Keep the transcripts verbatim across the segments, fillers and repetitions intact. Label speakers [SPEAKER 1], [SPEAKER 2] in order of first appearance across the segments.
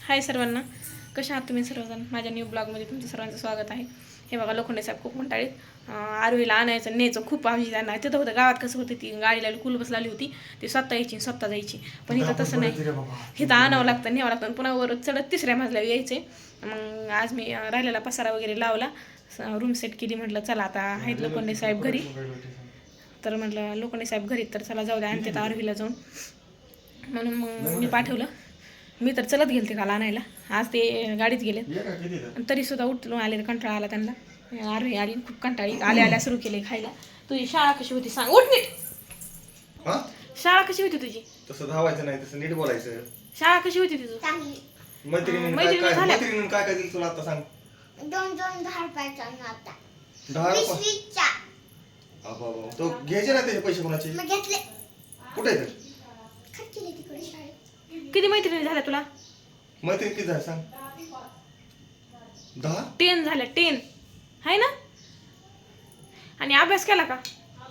[SPEAKER 1] हाय सर्वांना, कशा आहात तुम्ही सर्वजण? माझ्या न्यू ब्लॉगमध्ये तुमचं सर्वांचं स्वागत आहे. हे बघा, लोखंडे साहेब खूप म्हणताळीत आरोहीला आणायचं न्यायचं खूप आमची त्यांना. तिथं होतं गावात कसं होतं, ती गाडीला कुल बस लागली होती, ती स्वतः यायची स्वतः जायची. पण इथं तसं नाही, इथं आणावं लागतं न्यावं लागतं. पुन्हा वर चढत तिसऱ्या मजल्यावर यायचे. मग आज मी राहिलेला पसारा वगैरे लावला, रूम सेट केली. म्हटलं चला आता आहेत लोखंडे साहेब घरी, तर म्हटलं लोखंडे साहेब घरी, तर चला जाऊ द्या आणि त्यात आरोहीला जाऊन. म्हणून मग मी पाठवलं. मी तर चलत गेले ते काल आणायला, आज ते गाडीत गेले. तरी सुद्धा उठून आले, कंटाळा आला त्यांना. आरोही आली खूप कंटाळी, आल्या आल्या सुरू केले खायला. तुझी शाळा कशी होती सांग, उठ नीट. शाळा कशी होती तुझी?
[SPEAKER 2] तसं धावायचं नाही, तसं नीट बोलायचं.
[SPEAKER 1] शाळा कशी होती तुझी?
[SPEAKER 2] मैत्रिणीने काय काय मैत्रिणीने काय काय दिलं तुला आता सांग.
[SPEAKER 3] दोन दोन दहा रुपयाचा नव्हता,
[SPEAKER 2] दहा
[SPEAKER 3] वीस
[SPEAKER 2] रुपये
[SPEAKER 3] वीसचा.
[SPEAKER 2] अबाबा, तो घ्यायचे ना त्याचे पैसे कोणाचे?
[SPEAKER 3] मग घेतले,
[SPEAKER 2] कुठे आहेत?
[SPEAKER 3] खर्च केले तिकडे शाळेत.
[SPEAKER 1] किती मैत्रिणी झाल्या तुला?
[SPEAKER 2] मैत्रिणी किती झाले सांग? दहा
[SPEAKER 1] टेन झाल्या, टेन आहे ना. आणि अभ्यास केला का?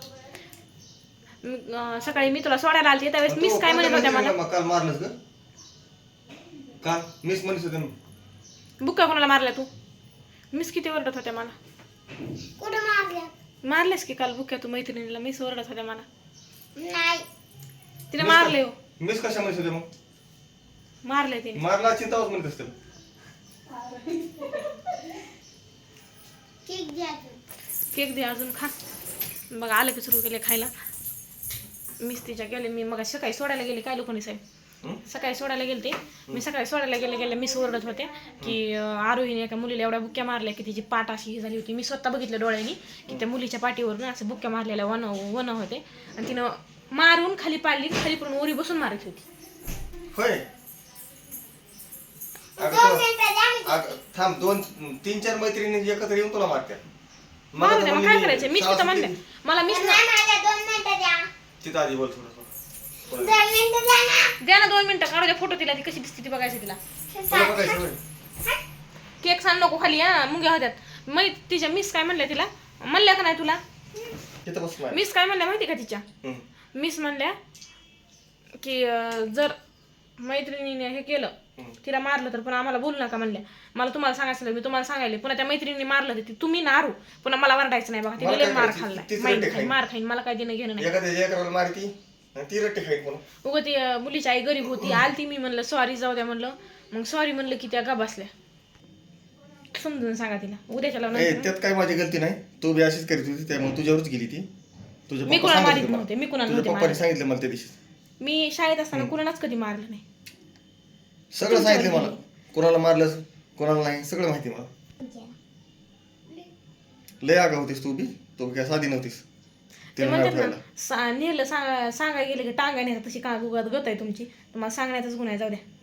[SPEAKER 1] अं, सकाळी मी तुला सोडायला आलते त्यावेळेस मिस काय म्हणत होत्या मला?
[SPEAKER 2] काल मारलंस ग? काल मिस म्हणत होते.
[SPEAKER 1] बुक्का कोणाला मारल्या तू? मिस किती ओरडत होत्या मला.
[SPEAKER 3] कुठं मारल्या?
[SPEAKER 1] मारलेस की काल बुक्या तू मैत्रिणीला? मिस ओरडत होत्या मला.
[SPEAKER 3] नाही,
[SPEAKER 1] तिने मारले हो.
[SPEAKER 2] मिस कशा म्हणत होते? मग
[SPEAKER 1] मारले तिने.
[SPEAKER 2] मारला चिंतावच म्हणत असतं.
[SPEAKER 3] केक द्या.
[SPEAKER 1] केक दे अजून खा. मग आलं की सुरू केले खायला. मीच तिच्या गेले, मी मग सकाळी सोडायला गेले. काय लोखंडे साहेब सकाळी सोडायला गेले ते मी सकाळी सोडायला गेले गेले मिस ओरडत होते की आरोहीने एका मुलीला एवढ्या बुक्क्या मारल्या की तिची पाठ अशी झाली होती. मी स्वतः बघितलं डोळ्यांनी की त्या मुलीच्या पाठीवरून असं बुक्क्या मारलेल्या वन वन होते. आणि तिनं मारून खाली पाडली, खाली पडून ओरी बसून मारत होती.
[SPEAKER 2] होय,
[SPEAKER 3] दोन मिनिटं द्या मी.
[SPEAKER 2] थांब, दोन तीन चार मैत्रिणी एकत्र येऊन तुला मारत्या.
[SPEAKER 1] मारू द्या, मग काय करायचं? मीच तिथं म्हणल्या मला मिस
[SPEAKER 3] नाही, माझ्या दोन मिनिटं द्या.
[SPEAKER 2] तिथं आधी बोल थोडं.
[SPEAKER 3] दोन मिनिटं द्या ना.
[SPEAKER 1] द्या ना दोन मिनिटं, काढू द्या फोटो. तिला ती कशी दिसते ती बघायचं तिला.
[SPEAKER 2] तुला बघायचं होय.
[SPEAKER 1] केक सांग नको खाली, हा मुंग्या होत्यात. मै तिच्या मिस काय म्हणल्या तिला? म्हणल्या का नाही तुला?
[SPEAKER 2] तिथं बस मार.
[SPEAKER 1] मिस काय म्हणल्या माहिती का तिच्या?
[SPEAKER 2] हम्म.
[SPEAKER 1] मिस म्हणल्या की अं, जर मैत्रिणीने हे केलं, तिला मारलं तर पुन्हा आम्हाला बोलू नका म्हणल्या. मला तुम्हाला सांगायचं मी तुम्हाला सांगायले, पुन्हा त्या मैत्रिणीने मारलं तर तुम्ही नारू, पुन्हा मला वरडायचं नाही बघा.
[SPEAKER 2] मला
[SPEAKER 1] तिने
[SPEAKER 2] काय
[SPEAKER 1] मार
[SPEAKER 2] करायचं?
[SPEAKER 1] खाल्लाय,
[SPEAKER 2] तीच
[SPEAKER 1] माहिती
[SPEAKER 2] रट्टे
[SPEAKER 1] खाईन,
[SPEAKER 2] खाईन.
[SPEAKER 1] मार खाईन, मला काय देणं घेणं नाही.
[SPEAKER 2] एखाद्या एकराला मारती आणि ती रट्टी खाईत म्हणून.
[SPEAKER 1] उगं ती अं, मुलीची आई गरीब होती, आलती. मी म्हणलं सॉरी, जाऊ द्या म्हणलं. मग सॉरी म्हणलं की त्या गा बसल्या. समजून सांगा तिला उद्याच्या
[SPEAKER 2] ए,
[SPEAKER 1] लावून.
[SPEAKER 2] त्यात काय माझी गलती नाही. तू बी अशीच करीत होती, त्यामुळे तुझ्यावरच गेली ती. तुझ्या
[SPEAKER 1] मी
[SPEAKER 2] पप्पा
[SPEAKER 1] कुणाला
[SPEAKER 2] सांगत
[SPEAKER 1] मारित
[SPEAKER 2] होते मला.
[SPEAKER 1] नव्हते, मी कुणाला
[SPEAKER 2] तुझ्या
[SPEAKER 1] नव्हते
[SPEAKER 2] पप्पाने
[SPEAKER 1] मारित.
[SPEAKER 2] सांगितलं मला त्या दिवशी.
[SPEAKER 1] मी शाळेत असताना कुणालाच कधी मारलं नाही.
[SPEAKER 2] सगळं सांगितलं मला, कोणाला मारलं कोणाला नाही सगळं माहिती मला. लय आगा होतीस तू बी, तू काय साधी नव्हतीस.
[SPEAKER 1] ते
[SPEAKER 2] तिला
[SPEAKER 1] म्हणतात
[SPEAKER 2] नाही
[SPEAKER 1] ना, सा नेलं सांगा सांगाय गेलं की टांगा नेलं, तशी का गुगात गत आहे तुमची. तुम्हाला सांगण्याचाच गुन्हा आहे, जाऊ द्या.